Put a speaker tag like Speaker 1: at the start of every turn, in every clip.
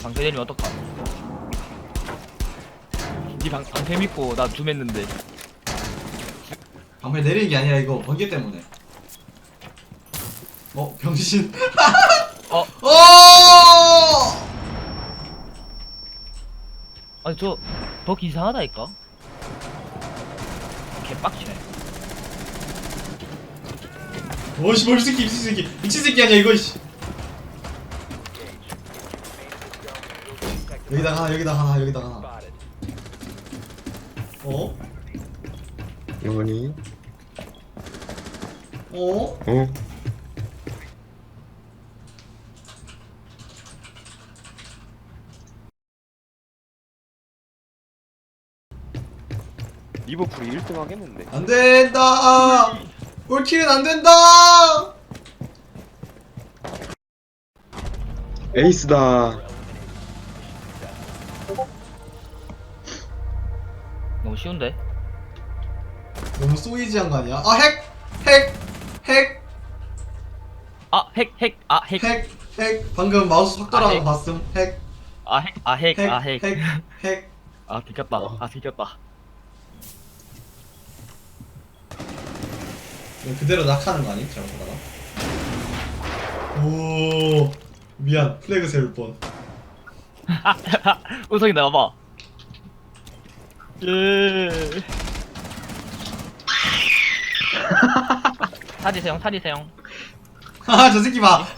Speaker 1: 방패 내리면 어떡하? 니 방패 믿고 나 줌했는데.
Speaker 2: 방패 내리는 게 아니라 이거 번개 때문에. 병신.
Speaker 1: 어?
Speaker 2: 어!
Speaker 1: 아니 저 덕 이상하다니까? 개빡치네.
Speaker 2: 어씨 뭘 새끼 미친 새끼 미친 새끼 아니야 이거 씨. 여기다가 하나 여기다가 하나 여기다가 하나. 어?
Speaker 3: 영원히.
Speaker 2: 어?
Speaker 3: 어?
Speaker 4: 리버풀이 1등 하겠는데.
Speaker 2: 안 된다. 올킬은 안 된다.
Speaker 3: 에이스다.
Speaker 1: 너무 쉬운데?
Speaker 2: 너무 소이지한 거 아니야? 아 핵! 핵! 핵!
Speaker 1: 아 핵 핵 아 핵
Speaker 2: 핵! 핵! 방금 마우스 확 돌아가는
Speaker 1: 핵.
Speaker 2: 거 봤음? 핵!
Speaker 1: 아 핵 아 핵
Speaker 2: 핵!
Speaker 1: 아 핵
Speaker 2: 핵! 핵!
Speaker 1: 아 들켰다 아 들켰다.
Speaker 2: 이거 그대로 낙하는 거 아니? 잘못하다가? 오 미안 플래그 세울 뻔.
Speaker 1: 우성이 나와봐. 예. 사리세요 사리세요.
Speaker 2: 하하 저 새끼 봐.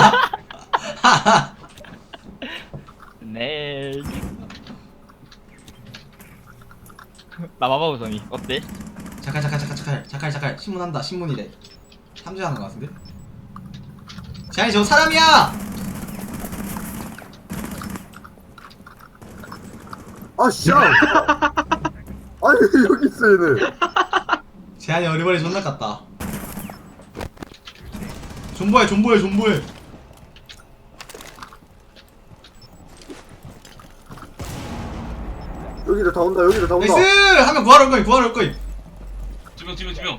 Speaker 1: 네. 나와봐 우성이 어때?
Speaker 2: 잠깐 신문한다 신문이래. 탐지하는 거 같은데? 재한이 저 사람이야!
Speaker 5: 아, 씨! 아니, 왜 여기 있어, 얘네.
Speaker 2: 재한이 어리버리 존나 깠다. 존버해 존버해 존버해.
Speaker 5: 여기를 다 온다, 여기를 다 온다.
Speaker 2: 나이스! 하면 구하러 올 거임 구하러 올 거임.
Speaker 6: 두명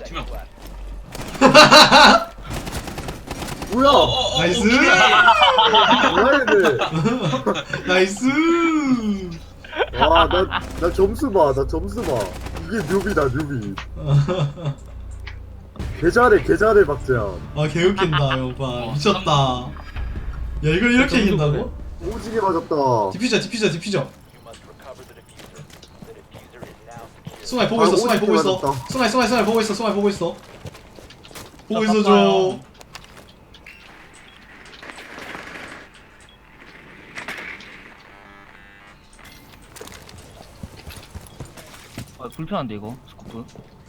Speaker 5: 뭐야?
Speaker 2: 나이스!
Speaker 5: 뭐야, 얘네.
Speaker 2: 나이스!
Speaker 5: 와, 나 점수 봐, 나 점수 봐. 이게 뉴비다, 뉴비. 개잘해, 박재현.
Speaker 2: 아 개웃긴다 오빠 미쳤다. 야 이걸 이렇게 이긴다고?
Speaker 5: 오지게 맞았다.
Speaker 2: 디퓨저 숭아이 보고 있어 숭아이 보고 있어 숭아이 보고 있어 숭아이 보고 있어 보고 있어 줘.
Speaker 1: 아 불편한데 이거 스코프.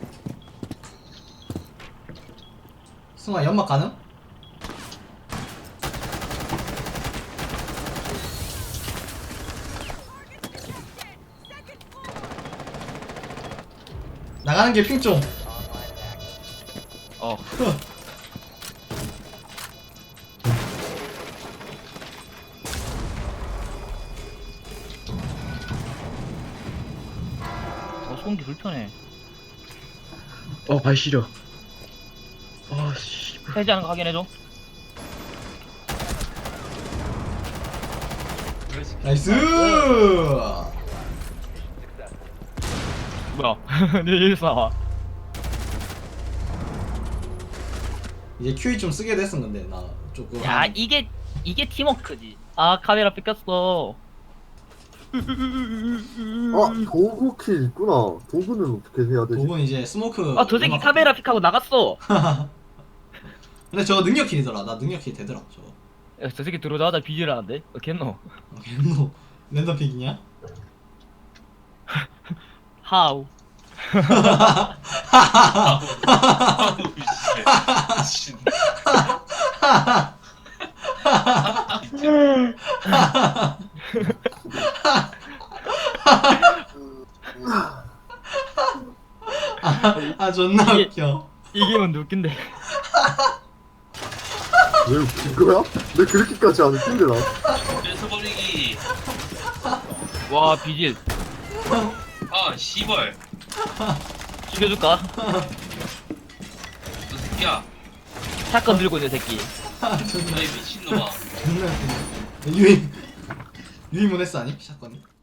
Speaker 2: 숭아이 연막 가능? 나가는 게 핑 좀.
Speaker 1: 어. 소음기 불편해.
Speaker 3: 발 시려. 씨.
Speaker 1: 해제하는 거 확인해줘.
Speaker 2: 나이스!
Speaker 1: 뭐야? 내 일사 나와.
Speaker 2: 이제 QE 좀 쓰게 됐은 건데 나 조금.
Speaker 1: 야 이게 팀워크지. 아 카메라 뺏겼어.
Speaker 5: 도구킬 있구나. 도구는 어떻게 해야 되지?
Speaker 2: 도군 이제 스모크.
Speaker 1: 아 저 새끼 카메라 픽하고 나갔어.
Speaker 2: 근데 저거 능력 킬이더라. 나 능력 킬 되더라 저거.
Speaker 1: 야, 저 새끼 들어오자마자 비질하는데? 어겠노?
Speaker 2: 너 랜덤 픽이냐?
Speaker 1: 하우.
Speaker 6: 씨.
Speaker 2: 아 존나 웃겨.
Speaker 1: 이기면 웃긴데.
Speaker 5: 왜 웃긴 거야? 내 그렇게까지 안 웃긴데, 나.
Speaker 6: 뺏어버리기.
Speaker 1: 와 비질.
Speaker 6: 아 씨발.
Speaker 1: 죽여줄까?
Speaker 6: 너 새끼야.
Speaker 1: 샷건 들고 있는 새끼.
Speaker 2: 아 존나
Speaker 6: 너희 미친놈아.
Speaker 2: 존나 웃기네. 유인 유인문 했어 아니? 샷건이?